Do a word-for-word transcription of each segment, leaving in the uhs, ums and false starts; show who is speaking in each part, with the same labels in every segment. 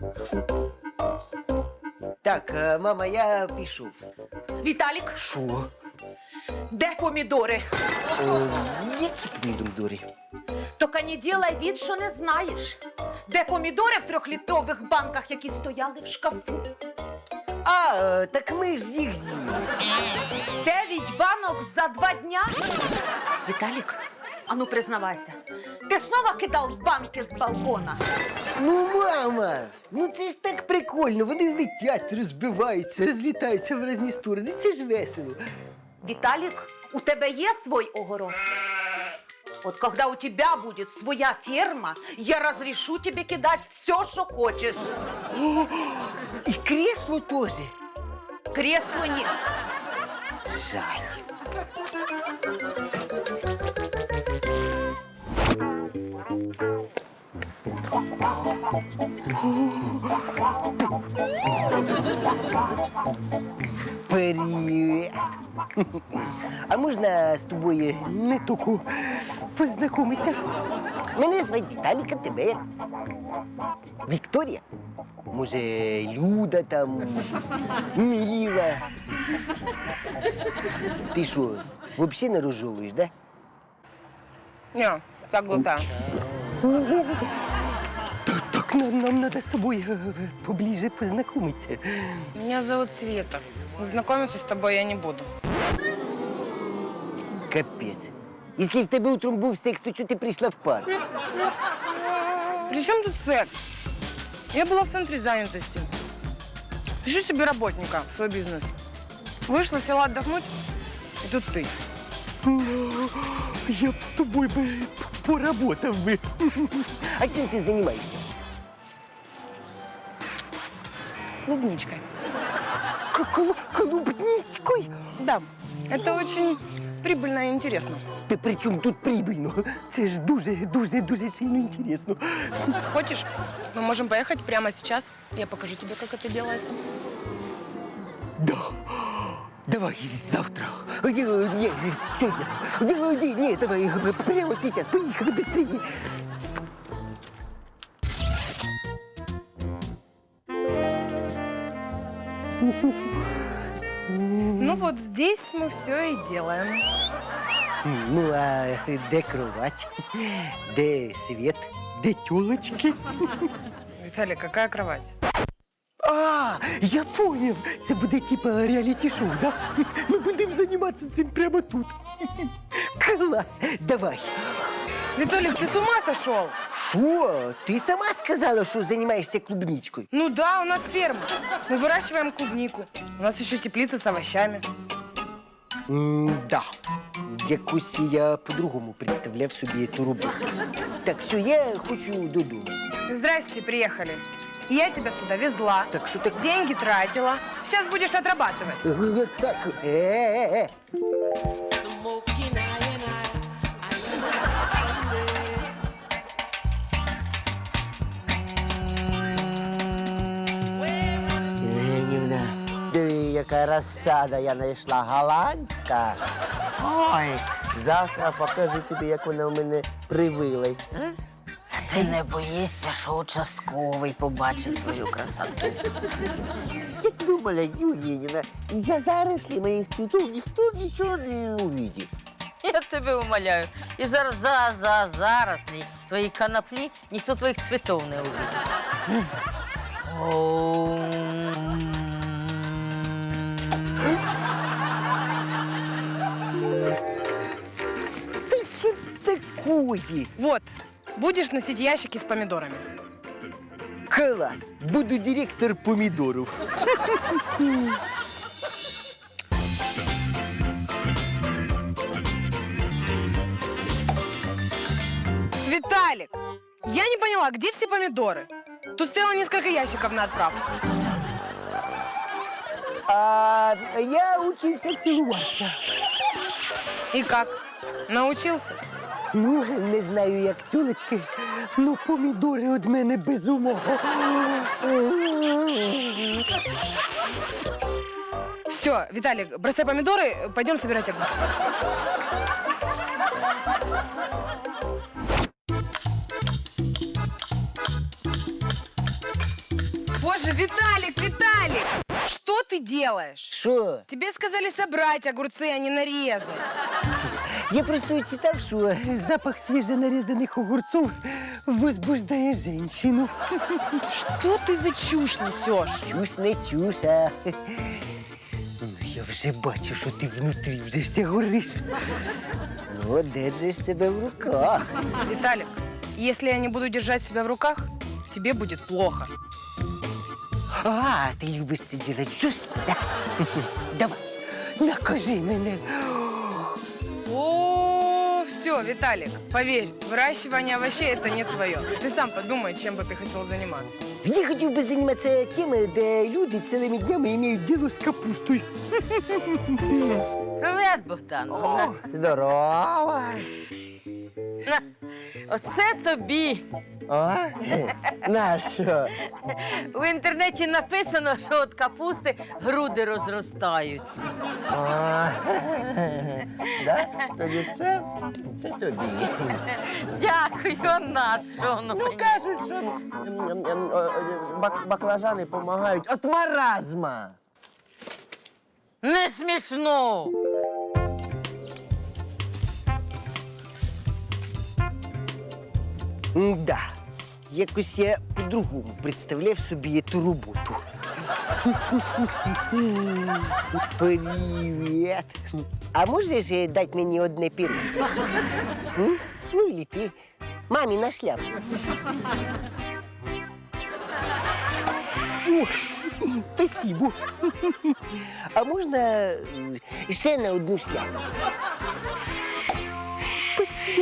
Speaker 1: Так, е, мама, я пішов.
Speaker 2: Віталік,
Speaker 1: Що?
Speaker 2: де помідори?
Speaker 1: О, які помідори?
Speaker 2: Тільки не ділай від, що не знаєш. Де помідори в трьохлітрових банках, які стояли в шкафу?
Speaker 1: А, е, так ми ж їх з'їли.
Speaker 2: Дев'ять банок за два дня? Віталік, а ну признавайся, ти снова кидав банки з балкона?
Speaker 1: Ну, мама, ну це ж так прикольно. Вони летять, розбиваються, розлітаються в різні сторони. Це ж весело.
Speaker 2: Виталик, у тебя есть свой огород? Вот когда у тебя будет своя ферма, я разрешу тебе кидать все, что хочешь.
Speaker 1: І кресло теж.
Speaker 2: Кресла нет.
Speaker 1: Жаль. Привіт. А можна з тобою не тільки познайомитися? Мене звати Віталік, а тебе як? Вікторія? Може, Люда там, Міла? Ти що, взагалі не розжовуєш, да?
Speaker 3: Не, так глотаю.
Speaker 1: Так, так нам, нам надо з тобою е, поближе познайомитися.
Speaker 3: Меня зовут Света. Но знакомиться с тобой я не буду.
Speaker 1: Капець. Якщо в тебе утром був секс, то чого ти прийшла в парк?
Speaker 3: При чем тут секс? Я была в центре занятости. Ищу себе работника в свой бизнес. Вышла, села отдохнуть, и тут ты.
Speaker 1: Я б з тобою би поработав би. А чим ти займаєшся?
Speaker 3: Клубничкой.
Speaker 1: Кл- Клубничкою?
Speaker 3: Да, это очень прибыльно и интересно.
Speaker 1: Та при чому тут прибильно? Це ж дуже, дуже, дуже сильно інтересно.
Speaker 3: Хочешь, мы можем поехать прямо сейчас. Я покажу тебе, как это делается.
Speaker 1: Да. Давай завтра. Ні, ні, сьогодні. Ні, ні, ні, давай прямо зараз. Поїхали швидше.
Speaker 3: Ну вот здесь мы все и делаем.
Speaker 1: Ну, а де кровать? Де світ? Де тюлочки?
Speaker 3: Виталий, какая кровать?
Speaker 1: А, я поняв. Це буде типа реаліті-шоу, да? Ми будемо займатися цим прямо тут. Клас, давай.
Speaker 3: Виталик, ты с ума сошел?
Speaker 1: Що? Ти сама сказала, що займаєшся клубничкою?
Speaker 3: Ну да, у нас ферма. Мы выращиваем клубнику. У нас еще теплица с овощами.
Speaker 1: М-да. Якось я по-другому представляв собі ту роботу. Так, все, я хочу додому.
Speaker 3: Здрасте, приехали. Я тебя сюда везла,
Speaker 1: Так що так?
Speaker 3: деньги тратила. Сейчас будешь отрабатывать.
Speaker 1: Е, Так, е-е-е.
Speaker 4: Smoking I and I,
Speaker 1: Євгенівна, диви, яка розсада я знайшла голландська. Ой, завтра покажу тобі, як вона у мене привилась. А?
Speaker 5: Ти не боїшся, що участковий побачить твою красоту.
Speaker 1: Я тебе умоляю, Євгенівна, за зарослі моїх цвітів ніхто нічого не увидить.
Speaker 5: Я тебе умоляю. І зараз за, за, зараз твої коноплі ніхто твоїх цвітів не увидить.
Speaker 1: Ти що такої?
Speaker 3: Вот, будешь носить ящики с помидорами.
Speaker 1: Клас, буду директор помідорів.
Speaker 3: Виталик, я не поняла, где все помидоры? Тут стояло несколько ящиков на отправку.
Speaker 1: А я учився цілуватися.
Speaker 3: И как? Научился?
Speaker 1: Ну, не знаю, як тюлечки, ну помідори від мене без умов.
Speaker 3: Все, Виталик, бросай помидоры, пойдем собирать огурцы. Боже, Виталик, Виталик! Что ты делаешь?
Speaker 1: Що?
Speaker 3: Тебе сказали собрать огурцы, а не нарезать.
Speaker 1: Я просто читав, що запах свіжонарізаних огурців возбуждає жінку.
Speaker 3: Что ты за чушь несешь?
Speaker 1: Чусь не чусь, а... Ну, я вже бачу, що ти внутрі вже вся гориш. Ну, держиш себе в руках.
Speaker 3: Виталик, если я не буду держать себя в руках, тебе будет плохо.
Speaker 1: А, ти любиш це робити жорстко, да? Давай, накажи мене.
Speaker 3: О, все, Виталик, поверь, выращивание овощей это не твое. Ты сам подумай, чем бы ты хотел заниматься.
Speaker 1: Я хотів би займатися теми, де люди цілими днями мають діло з капустою.
Speaker 5: Привет, Богдан.
Speaker 1: Здорово.
Speaker 5: На, оце тобі.
Speaker 1: А? На що?
Speaker 5: В інтернеті написано, що від капусти груди розростаються.
Speaker 1: А, да? Тоді це, це тобі.
Speaker 5: Дякую, а на що воно
Speaker 1: Ну,
Speaker 5: мені?
Speaker 1: кажуть, що м, м, м, о, бак- баклажани допомагають від маразма.
Speaker 5: Не смішно.
Speaker 1: Да, якось я по-другому представляв собі цю роботу. Привіт. А можеш е, дати мені одне перо? М? Ну, или ти. Мамі на шляпу. О, спасибо. А можна е, ще на одну шляпу? Спасибо.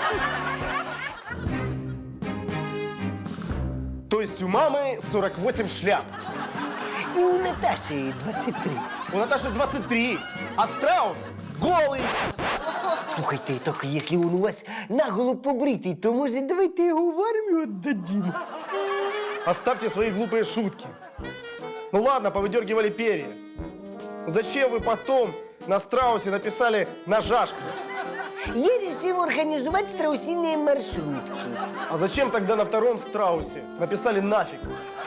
Speaker 6: То есть у мамы сорок восемь шляп,
Speaker 1: І у Наташі двадцять три.
Speaker 6: у Наташи двадцать три, а страус голый.
Speaker 1: Слухайте, так якщо він у вас наголо побритий, то може давайте його в армію віддадим?
Speaker 6: Оставьте свои глупые шутки. Ну ладно, повыдергивали перья. Зачем вы потом на страусе написали «нажашка»?
Speaker 1: Я вирішив організувати страусині маршрутки.
Speaker 6: А зачем тогда на втором страусе написали «нафиг»?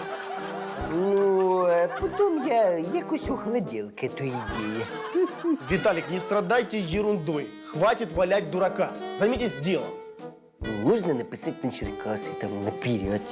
Speaker 1: Ну, а потім я якось охладів к этой ідеї.
Speaker 6: Виталик, не страдайте ерундой. Хватит валять дурака. Займитесь делом.
Speaker 1: Ну, можна написати на Черкаси, там, наперед.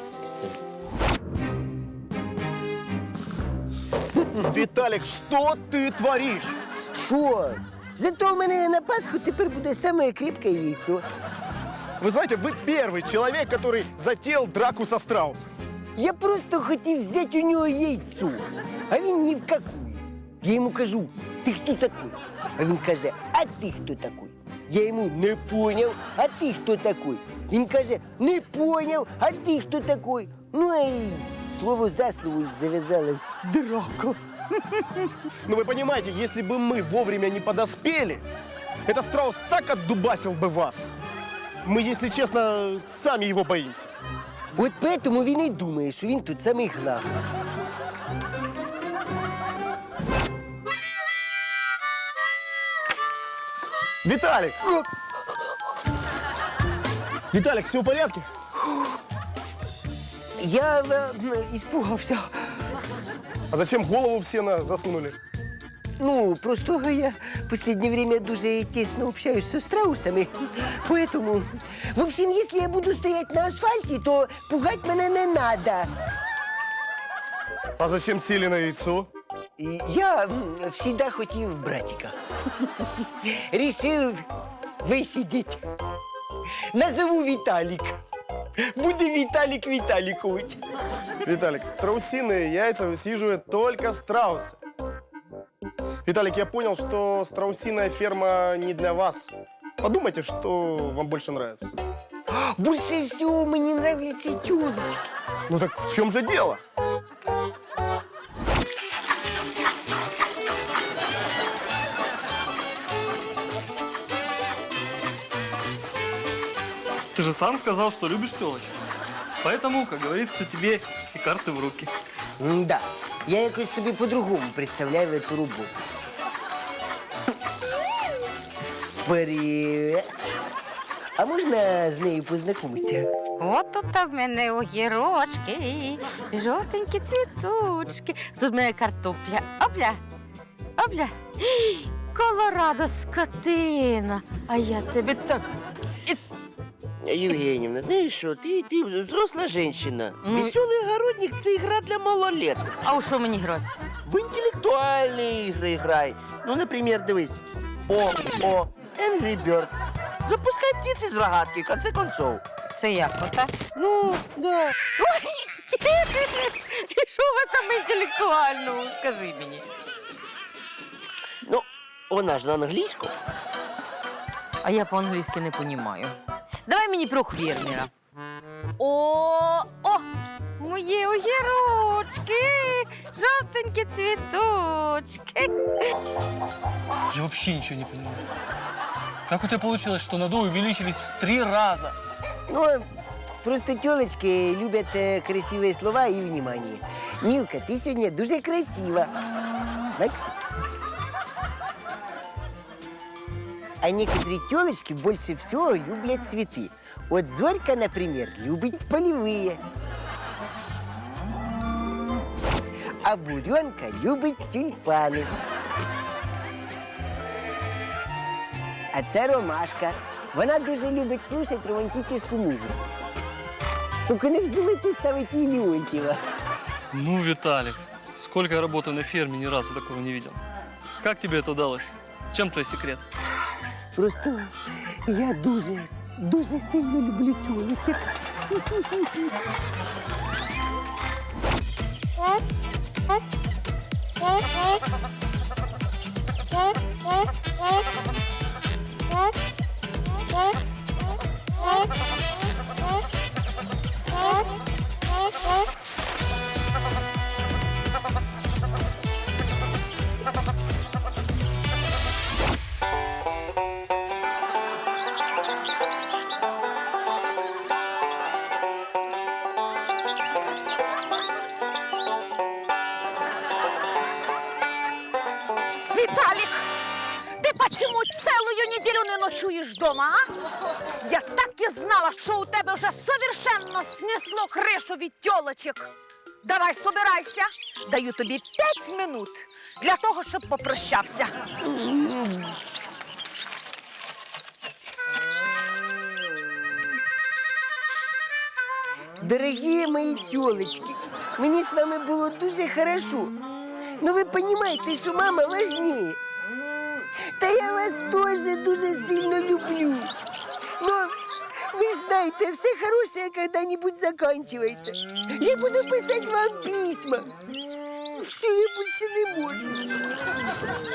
Speaker 6: Виталик, что ты творишь?
Speaker 1: Що? Зато в мене на Пасху тепер буде саме крепке яйцо.
Speaker 6: Вы знаете, вы первый человек, который затеял драку со страусом.
Speaker 1: Я просто хотів взяти у нього яйцо, а він ні в какую. Я йому кажу, ти хто такой? А він каже, а ти хто такой? Я йому не поняв, а ти хто такой? Він каже, не поняв, а ти хто такой? Ну і слово за слово зав'язалась драка.
Speaker 6: Но вы понимаете, если бы мы вовремя не подоспели, этот страус так отдубасил бы вас. Мы, если честно, сами его боимся.
Speaker 1: От поэтому він і думає, що він тут самий главний.
Speaker 6: Виталик! Виталик, все в порядке?
Speaker 1: Я е, іспугався.
Speaker 6: А зачем голову в сено засунули?
Speaker 1: Ну, просто я в последнее время дуже тесно общаюсь со страусами, поэтому... В общем, если я буду стоять на асфальте, то пугать мене не надо.
Speaker 6: А зачем сели на яйцо?
Speaker 1: И я м, всегда хотів братика. Решил висидеть. Назову Виталик. Буде Виталик Виталикович.
Speaker 6: Виталик, страусиные яйца высиживают только страусы. Виталик, я понял, что страусиная ферма не для вас. Подумайте, что вам больше нравится.
Speaker 1: Больше всего мне нравятся тёлочки.
Speaker 6: Ну так в чем же дело?
Speaker 7: Ты же сам сказал, что любишь телочек. Поэтому, как говорится, тебе и карты в руки.
Speaker 1: Да, я якось собі по-другому представляю цю роботу. Привіт. А можна з нею познайомитися?
Speaker 5: От тут в мене огірочки, жовтенькі цвіточки. Тут в мене картопля. Опля, опля. Ій, Колорадо, скотина. А я тебе так...
Speaker 1: Євгенівна, знаєш що, ти, ти взросла жінка.
Speaker 5: Ну.
Speaker 1: Веселий огородник – це ігра для малолеток.
Speaker 5: А у що мені грати?
Speaker 1: В інтелектуальні ігри грай. Ну, наприклад, дивись. О, о, Angry Birds. Запускай птиці з рогатки, в конце концов.
Speaker 5: Це як, отак?
Speaker 1: Ну, да.
Speaker 5: І що ви там інтелектуального, скажи мені?
Speaker 1: Ну, вона ж на англійську.
Speaker 5: А я по-англійськи не розумію. Давай мені про фермера. О, о, мої огірочки, жовтенькі цвіточки.
Speaker 7: Я вообще ничего не понимаю. Как у тебя получилось, что надои увеличились в три раза?
Speaker 1: Ну, просто тілочки люблять е, красиві слова і внимание. Мілка, ти сьогодні дуже красива. Бачите? А некоторые телочки больше всего люблять цветы. Вот Зорька, например, любит полевые. А Буренка любит тюльпаны. А це Ромашка. Вона дуже любить слушать романтическую музыку. Только не вздумайте ставить їй Леонтьева.
Speaker 7: Ну, Виталик, сколько я работаю на ферме, ни разу такого не видел. Как тебе это удалось? Чем твой секрет?
Speaker 1: Просто я дуже, дуже сильно люблю тюлечок.
Speaker 2: Виталик, ты почему целую неделю не ночуешь дома, а? Я так и знала, что у тебя уже совершенно снесло крышу від тёлочек. Давай, собирайся. Даю тобі п'ять минут для того, щоб попрощався.
Speaker 1: Дорогие мои тёлочки, мне с вами было дуже хорошо. Но вы понимаете, что мама важнее. Да я вас тоже дуже сильно люблю. Но вы же знаете, все хорошее когда-нибудь заканчивается. Я буду писать вам письма. Все, я больше не могу.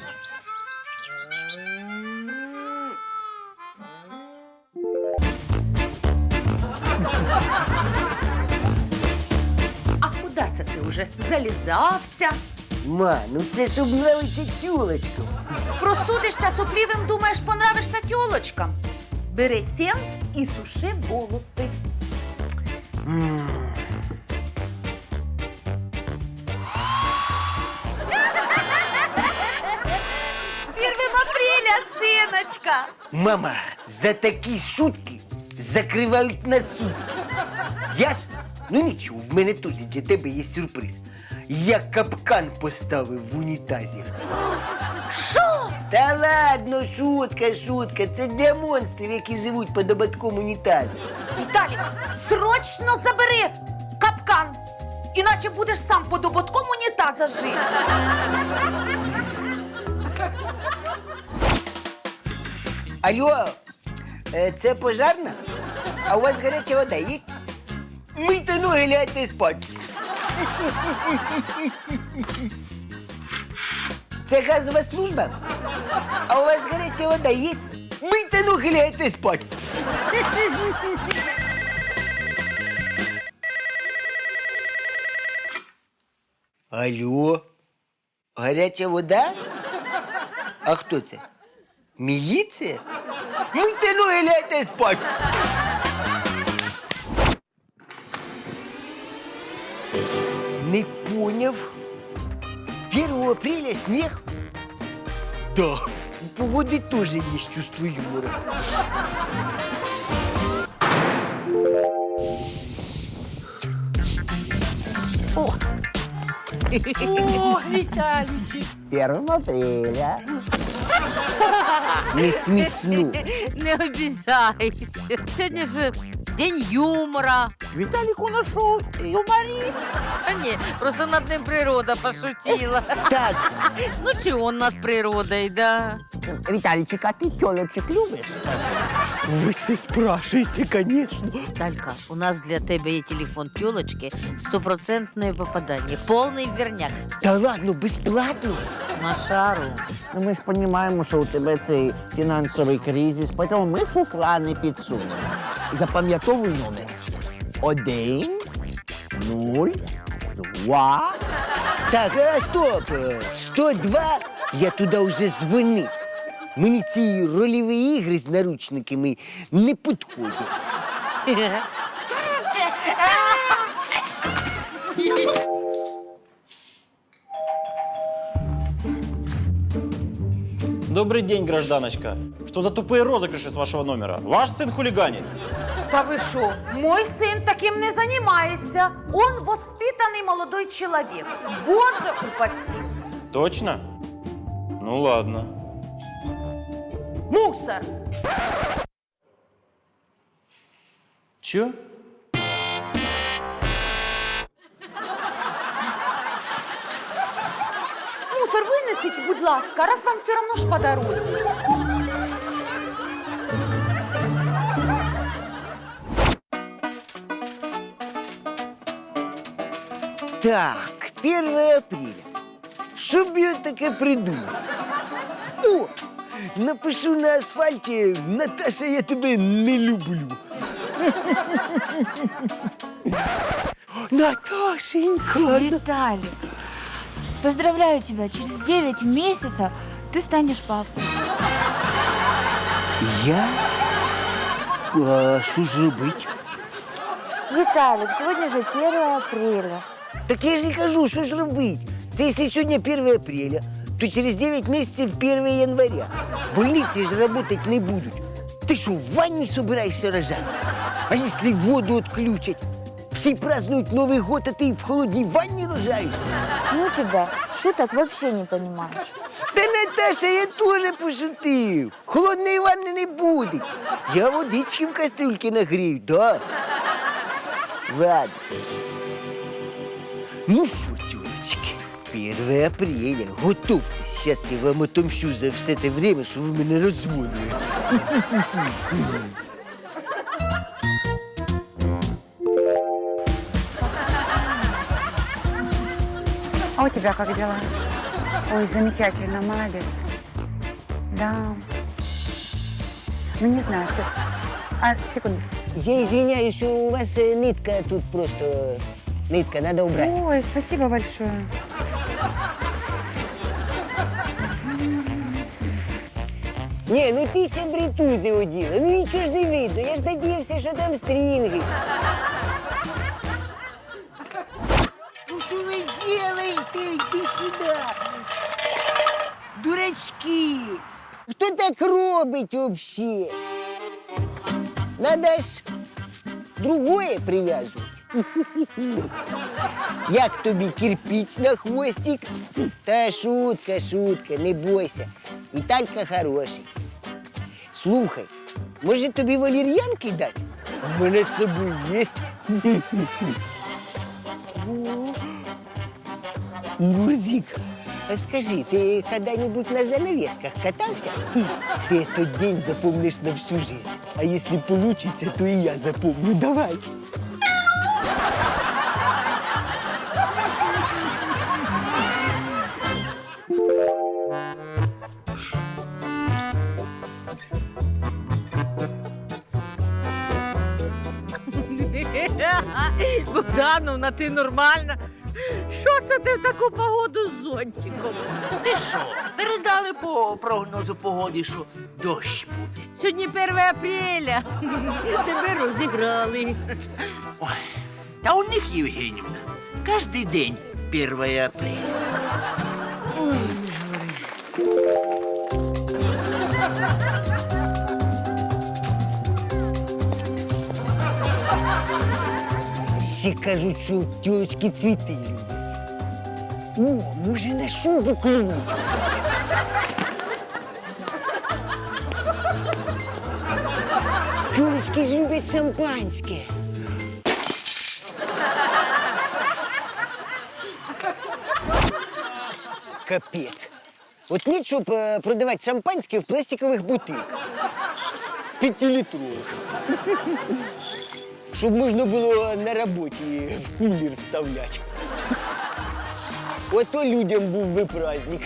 Speaker 2: А куди це ти вже залізався?
Speaker 1: Ма, ну це ж нравиться тёлочкам.
Speaker 2: Простудишся суплівим, думаєш, понравишся тёлочкам? Бери фен і суши волоси. З первым апреля, синочка!
Speaker 1: Мама, за такі шутки закривають на сутки. Ясно? Ну нічого, в мене теж для тебе є сюрприз. Я капкан поставив в унітазі.
Speaker 2: Що?
Speaker 1: Та ладно, шутка, шутка. Це для монстрів, які живуть під ободком унітазу.
Speaker 2: Віталік, срочно забери капкан, іначе будеш сам під ободком унітаза жити.
Speaker 1: Алло, е, це пожарна? А у вас гаряча вода є? Мийте ноги, лягайте спати. Це газова служба? А у вас гаряча вода є? Мийте ноги, лягайте спати. Алло, гаряча вода? А хто це? Міліція? Мийте ноги, лягайте спати. Не поняв. первого апреля снег? Да. У погоды тоже есть чувство юмора. О, Виталичек! С первого апреля. Не смешно.
Speaker 5: Не обіжайся. Сьогодні ж день юмора.
Speaker 8: Виталик у нас шо, юморист?
Speaker 5: Та ні, просто над ним природа пошутила.
Speaker 1: Так,
Speaker 5: Ну чи он над природою, да?
Speaker 8: Виталичек, а ты тёлочек любишь?
Speaker 1: вы все спрашиваете, конечно.
Speaker 5: Талька, у нас для тебе є телефон тёлочки, стопроцентне попадання, повний верняк.
Speaker 1: Да ладно, бесплатно.
Speaker 5: На шару.
Speaker 8: Ну, ми ж розуміємо, що у тебе цей фінансовий кризис, тому ми фуфла не підсунемо. Запам'ятовуй номер. Один, нуль, два.
Speaker 1: Так, а стоп! сто два я туди вже дзвонив. Мені ці рольові ігри з наручниками не підходять.
Speaker 9: Добрый день, гражданочка. Что за тупые розыгрыши с вашего номера? Ваш сын хулиганит.
Speaker 2: Та ви що? Мой син таким не займається. Он воспитаний молодой чоловік. Боже упаси.
Speaker 9: Точно? Ну ладно.
Speaker 2: Мусор.
Speaker 9: Чё?
Speaker 2: Мусор винесіть, будь ласка, раз вам все одно ж по дорозі.
Speaker 1: Так, первое апреля. Що б я таке придумав? О! Напишу на асфальті «Наташа, я тебе не люблю». Наташенька!
Speaker 10: Виталик, поздравляю тебя, через девять месяцев ты станешь папой.
Speaker 1: Я? А що ж робити?
Speaker 10: Виталик, сегодня же первое апреля.
Speaker 1: Так я ж і кажу, що ж робити? Це якщо сьогодні перше апреля, то через девять місяців перше января. Больниці ж работать не будуть. Ти що, в ванні собираєшся рожати? А якщо воду відключать? Всі празднують Новий год, а ти в холодній ванні рожаєш?
Speaker 10: Ну тебя, шуток вообще не понимаешь.
Speaker 1: Та, Наташа, я теж пошутив. Холодної ванни не буде. Я водички в кастрюльці нагрію, да. Ладно. Ну що, тёлочки, перше апреля, готовьтесь. Сейчас я вам отомщу за все те время, що ви мене розводили.
Speaker 11: А у тебя как дела? Ой, замечательно, молодец. Да. Ну, не знаю, что... А, секунду.
Speaker 1: Я извиняюсь, что у вас э, нитка тут просто... Нитка, надо убрать.
Speaker 11: Ой, спасибо большое.
Speaker 1: Не, ну ти ще бритузи оділа. Ну нічого ж не видно. Я ж надіявся, що там стрінги. Ну що ви делаете? Иди сюда. Дурачки. Хто так робить вообще? Надо ж другое прив'язувати. Як тобі кирпич на хвостик? Та шутка, шутка, не бойся. Віталька хороший. Слухай, може тобі валер'янки дати? У мене з собою є. Мурзик, подскажи, ты когда-нибудь на занавесках катался? Ты этот день запомнишь на всю жизнь. А если получится, то и я запомню. Давай.
Speaker 5: Богдановна, ти нормальна? Що це ти в таку погоду з зонтиком?
Speaker 8: Ти що, передали по прогнозу погоди, що дощ буде?
Speaker 5: Сьогодні перше апреля. Тебе розіграли.
Speaker 8: Ой, та у них, Євгенівна, кожен день перше апреля.
Speaker 1: Всі кажуть, що тёлочки цвіти люблять. О, може на шубу клюнуть. Тёлочки ж люблять шампанське. Капець. От ні, щоб е, продавати шампанське в пластикових бутилках. П'ятилітрових. Щоб можна було на роботі в кулер вставляти. Ото людям був би праздник.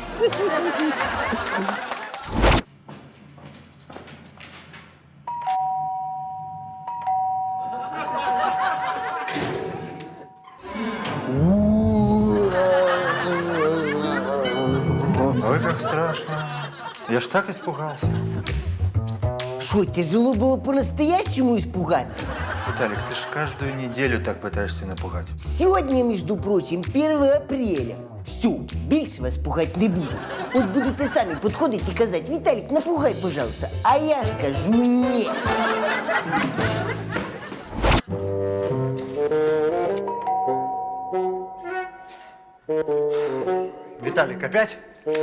Speaker 12: Ой, как страшно. Я ж так испугался.
Speaker 1: Что, тяжело было по-настоящему испугаться?
Speaker 12: Виталик, ты ж каждую неделю так пытаешься напугать.
Speaker 1: Сегодня, между прочим, первое апреля. Все, більше вас пугать не буду. От будете самі підходити і казати, Віталік, напугай, пожалуйста. А я скажу ні.
Speaker 12: Виталик, опять?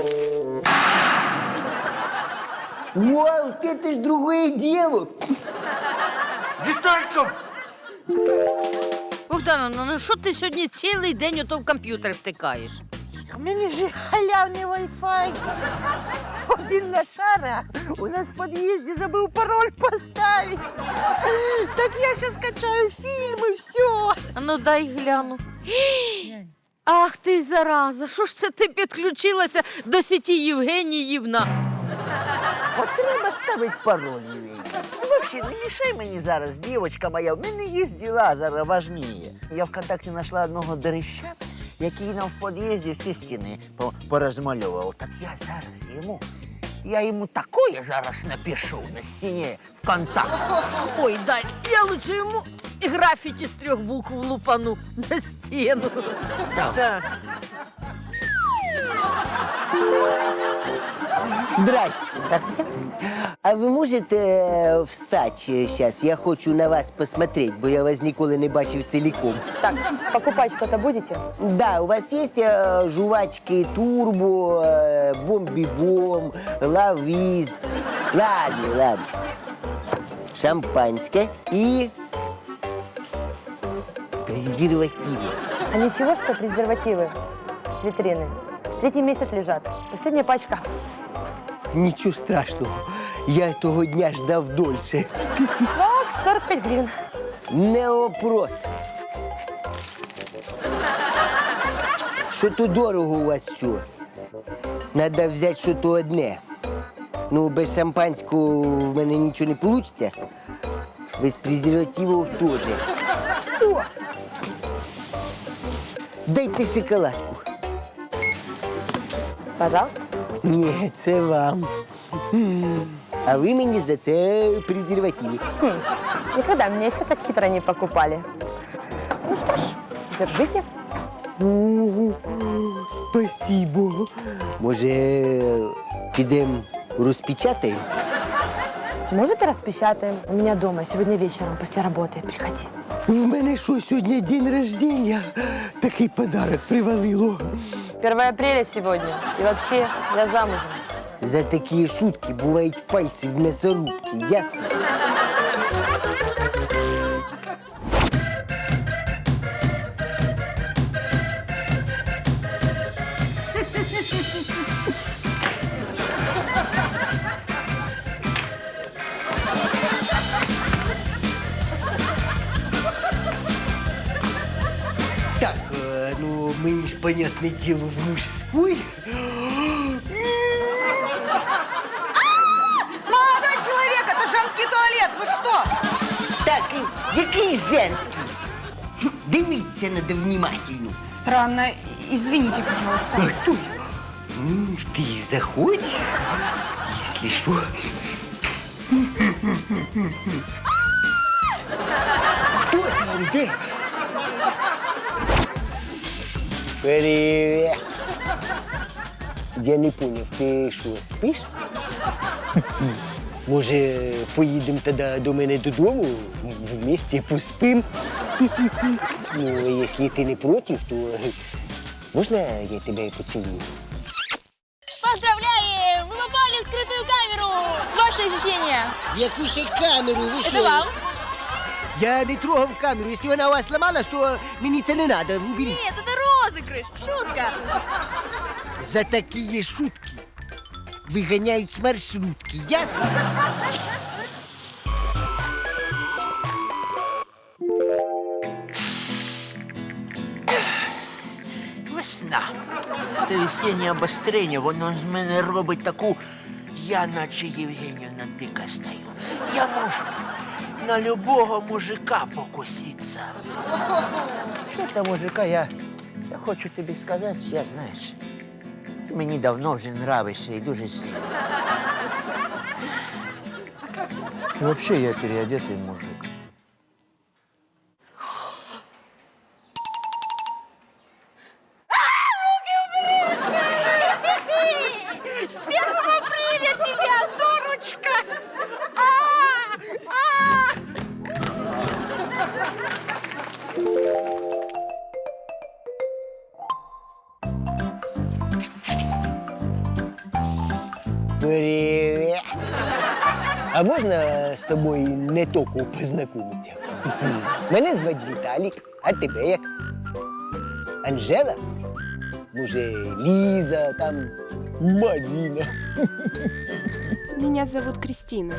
Speaker 1: Вау, вот это ж другое дело.
Speaker 12: Виталька!
Speaker 5: Богдановна, ну що ти сьогодні цілий день ото в комп'ютер втикаєш?
Speaker 13: У мене ж халявний Wi-Fi. Один лошара у нас в під'їзді забув пароль поставити. Так я ще скачаю фільми, все.
Speaker 5: А ну дай гляну. Ах ти, зараза, що ж це ти підключилася до сіті Євгеніївна?
Speaker 13: От треба ставити пароль, Євгеній. Взагалі, не мішай мені зараз, дівчинка моя, в мене є діла зараз важніє. Я ВКонтакті знайшла одного дереща, який нам в під'їзді всі стіни по- порозмальовував. Так я зараз йому, я йому такое зараз напишу на стіні ВКонтакті.
Speaker 5: Ой, дай, я лучше йому графіті з трьох букв лупану на стіну.
Speaker 13: Так.
Speaker 5: Так.
Speaker 1: Здрасте.
Speaker 10: Здравствуйте.
Speaker 1: А ви можете е, встати сейчас? Я хочу на вас посмотреть, бо я вас ніколи не бачив ціліком.
Speaker 10: Так, покупать что-то будете?
Speaker 1: Да, у вас есть э, жувачки Турбо, э, Бомби-Бом, Лавиз. Ладно, ладно. Шампанское и презервативы.
Speaker 10: А ничего, что презервативы с витрины. Третий месяц лежат. Последняя пачка.
Speaker 1: Ничего страшного. Я того дня ждав дольше.
Speaker 10: Ну, сорок пять гривен.
Speaker 1: Не вопрос. Що-то дорого у вас все. Надо взяти що-то одне. Ну, без шампанського в мене нічого не вийде. Без презервативів теж. О! Дайте шоколадку.
Speaker 10: Пожалуйста.
Speaker 1: Ні, це вам. А ви мені за це презервативи.
Speaker 10: Хм, никогда меня еще так хитро не покупали. Ну что ж, держите.
Speaker 1: О, спасибо. Може, підемо розпечатаємо?
Speaker 10: Может, и распечатаем. У меня дома сегодня вечером после работы. Приходи.
Speaker 1: В мене що, сьогодні день рождения? Такий подарок привалило.
Speaker 10: первое апреля сегодня. И вообще, я замужем.
Speaker 1: За такі шутки бувають пальці в мясорубці, ясно? Так, э, ну мы ж, понятное дело, в мужской.
Speaker 3: Молодой человек, это женский туалет, вы что?
Speaker 1: Так, і який женський? Дивіться надо внимательно.
Speaker 3: Странно, извините, пожалуйста.
Speaker 1: А, стой. М, Ты заходь, если что. Кто там, где? Привет. Я не понял, ти що, спиш? Може, поїдемо тоді до мене додому, вместе поспим? Ну, якщо ти не проти, то Можна я тебе поцілую?
Speaker 10: Поздравляем! Вы попали в скрытую камеру! Ваши ощущения?
Speaker 1: Яку ще камеру? Ви
Speaker 10: Это
Speaker 1: що?
Speaker 10: вам?
Speaker 1: Я не трогав камеру. Якщо вона у вас ламалась, то мені це не треба. Уберіть.
Speaker 10: Нет, это розыгрыш! Шутка!
Speaker 1: За такі шутки виганяють з маршрутки. Ясно?
Speaker 13: Весна. Це весіннє обострення, воно з мене робить таку, я наче Євгенівна дика стаю. Я можу на любого мужика покуситися. Що там мужика, я, я хочу тобі сказати, я знаєш, ти мені давно вже нравишся і дуже сильно. І взагалі я переодетий мужик.
Speaker 2: С первым апреля тебя, дурочка! А, а!
Speaker 1: Привіт. А можна з тобою не тільки познайомитися? Мене звати Віталік, а тебе як? Анжела? Може, Ліза, там, Марина?
Speaker 14: Меня зовут Кристина.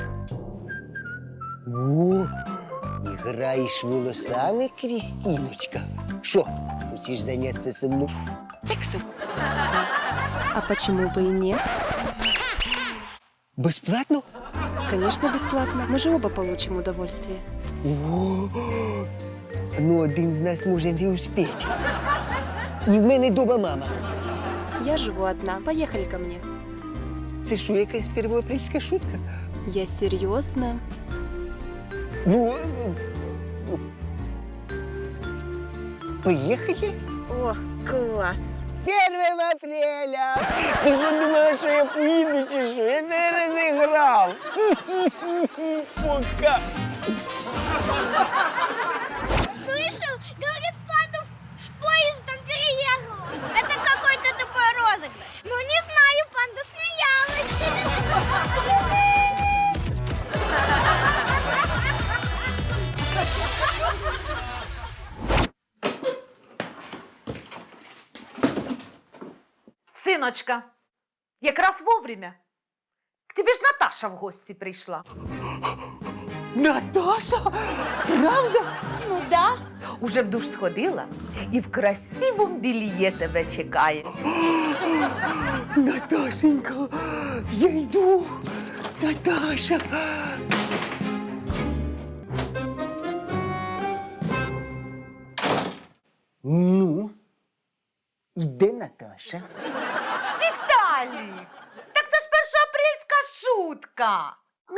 Speaker 1: О, граєш волосами, Крістіночка? Що, хочеш зайнятися зі мною сексом?
Speaker 14: А почему бы и нет?
Speaker 1: Безплатно?
Speaker 14: Конечно, бесплатно. Мы же оба получим удовольствие.
Speaker 1: О, ну один з нас може не успіти. І в мене дома мама.
Speaker 14: Я живу одна. Поехали ко мне.
Speaker 1: Це що, якась первоапрельська шутка?
Speaker 14: Я серьезно.
Speaker 1: Ну, е, поїхали?
Speaker 14: О, класс.
Speaker 1: З первим апреля! Ти що думала, що я поїду чи що? Я не розіграв. Пока.
Speaker 10: Слышал? Говорит, пандов поездом переехал. Это какой-то тупой розыгрыш. Ну, не знаю, панда смеялась.
Speaker 2: Синочка, якраз вовремя. К тебе ж Наташа в гості прийшла.
Speaker 1: Наташа? Правда?
Speaker 2: Ну да. Уже в душ сходила і в красивому бельє тебе чекає.
Speaker 1: Наташенька, я йду. Наташа. Ну, іде Наташа.
Speaker 2: Віталій! Так це ж першоапрельська шутка.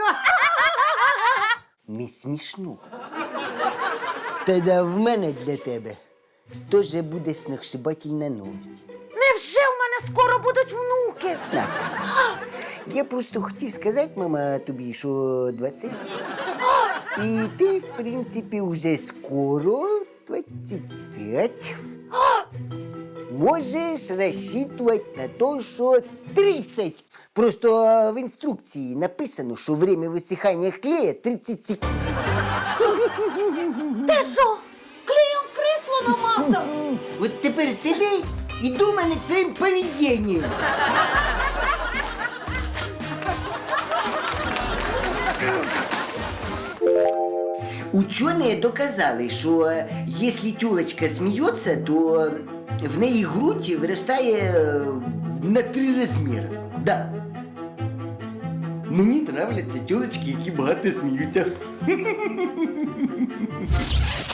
Speaker 1: Не смішно. Тоді в мене для тебе теж буде сногсшибательна новость.
Speaker 2: Невже в мене скоро будуть внуки?
Speaker 1: Настя, я просто хотів сказати, мама, тобі, що двадцять. І ти, в принципі, вже скоро, двадцять п'ять, можеш розчитувати на те, що тридцять. Просто в інструкції написано, що время висихання клея тридцять секунд.
Speaker 2: Ти що, клеєм крісло намазав?
Speaker 1: От тепер сиди і думай над своїм поведінням. Ученые доказали, що якщо тюлочка сміється, то в неї грудь виростає на три розміри. Да. Мені нравляться тюлочки, які багато сміються.